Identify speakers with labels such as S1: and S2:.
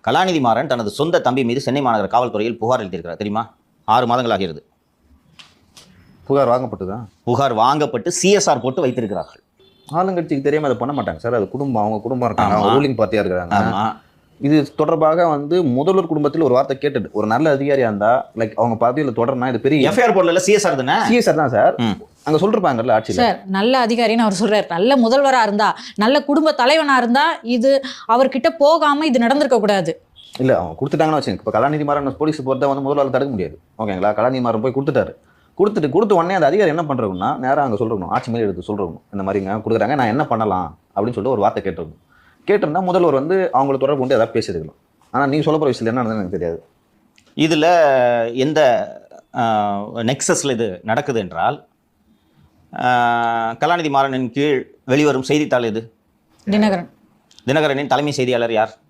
S1: கலாநிதி மாறன் தனது சொந்த தம்பி மீது சென்னை மாநகர காவல்துறையில் புகார் அளித்திருக்கிறார். தெரியுமா? 6 மாதங்கள் ஆகிறது.
S2: புகார் வாங்கப்பட்டுதான்.
S1: புகார் வாங்கப்பட்டு சிஎஸ்ஆர் போட்டு வைத்திருக்கிறார்கள்.
S2: ஆளுங்கட்சிக்கு தெரியாம அதை பண்ண மாட்டாங்க சார். அது குடும்பம், அவங்க குடும்பம் இருக்காங்க, அவங்க ரூலிங் பார்ட்டியா இருக்காங்க. இது தொடர்பாக முதல்வர் குடும்பத்தில் ஒரு வார்த்தை கேட்டுட்டு ஒரு நல்ல அதிகாரியா இருந்தா லைக் அவங்க பதவியில் தொடர்னா இது பெரிய
S1: எஃப்ஐஆர் போடல. சிஎஸ்ஆர் தானே?
S2: சிஎஸ்ஆர் தான் சார். அங்க சொல்லிருப்பாங்கல்ல ஆட்சியில்.
S3: சார் நல்ல அதிகாரின்னு அவர் சொல்றாரு. நல்ல முதல்வரா இருந்தா, நல்ல குடும்ப தலைவனா இருந்தா இது அவர்கிட்ட போகாம இது நடந்திருக்க கூடாது.
S2: இல்ல அவங்க கொடுத்துட்டாங்கன்னு வச்சுங்க. இப்போ கலாநிதி மாறன் போலீஸ் பொறுத்த முதல்வர் தடுக்க முடியாது. ஓகேங்களா? கலாநிதி மாறன் போய் கொடுத்துட்டாரு. கொடுத்த உடனே அந்த அதிகாரி என்ன பண்றோம்னா நேராக அங்கே சொல்றணும், ஆட்சி மேலே எடுத்து சொல்றணும், இந்த மாதிரிங்க கொடுக்குறாங்க, நான் என்ன பண்ணலாம் அப்படின்னு சொல்லிட்டு ஒரு வார்த்தை கேட்டிருக்கணும். கேட்டிருந்தா முதல்வர் அவங்களை தொடர்பு கொண்டு ஏதாவது பேசியிருக்கலாம். ஆனால் நீங்கள் சொல்ல போகிற விஷயத்தில் என்ன நடந்ததுன்னு எனக்கு தெரியாது.
S1: இதில் எந்த நெக்ஸஸில் இது நடக்குது என்றால், கலாநிதி மாறனின் கீழ் வெளிவரும் செய்தித்தாள் எது?
S3: தினகரன்.
S1: தினகரனின் தலைமை செய்தியாளர் யார்?